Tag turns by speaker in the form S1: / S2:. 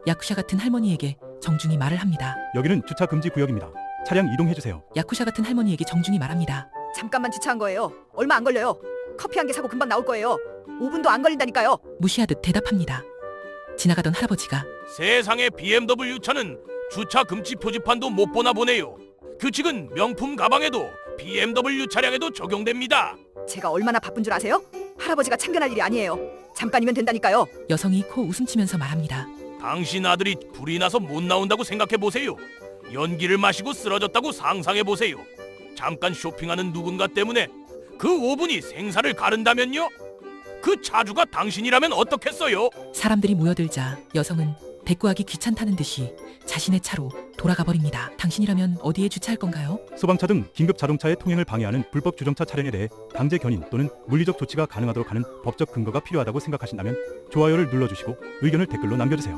S1: 야쿠샤 같은 할머니에게 정중히 말을 합니다.
S2: 여기는 주차 금지 구역입니다. 차량 이동해주세요.
S1: 야쿠샤 같은 할머니에게 정중히 말합니다.
S3: 잠깐만 주차한 거예요. 얼마 안 걸려요. 커피 한 개 사고 금방 나올 거예요. 5분도 안 걸린다니까요.
S1: 무시하듯 대답합니다. 지나가던 할아버지가
S4: 세상에 BMW 차는 주차 금지 표지판도 못 보나 보네요. 규칙은 명품 가방에도 BMW 차량에도 적용됩니다.
S3: 제가 얼마나 바쁜 줄 아세요? 할아버지가 참견할 일이 아니에요. 잠깐이면 된다니까요.
S1: 여성이 코 웃음치면서 말합니다.
S4: 당신 아들이 불이 나서 못 나온다고 생각해 보세요. 연기를 마시고 쓰러졌다고 상상해 보세요. 잠깐 쇼핑하는 누군가 때문에 그 5분이 생사를 가른다면요? 그 차주가 당신이라면 어떻겠어요?
S1: 사람들이 모여들자 여성은 대꾸하기 귀찮다는 듯이 자신의 차로 돌아가 버립니다. 당신이라면 어디에 주차할 건가요?
S2: 소방차 등 긴급 자동차의 통행을 방해하는 불법 주정차 차량에 대해 강제 견인 또는 물리적 조치가 가능하도록 하는 법적 근거가 필요하다고 생각하신다면 좋아요를 눌러주시고 의견을 댓글로 남겨주세요.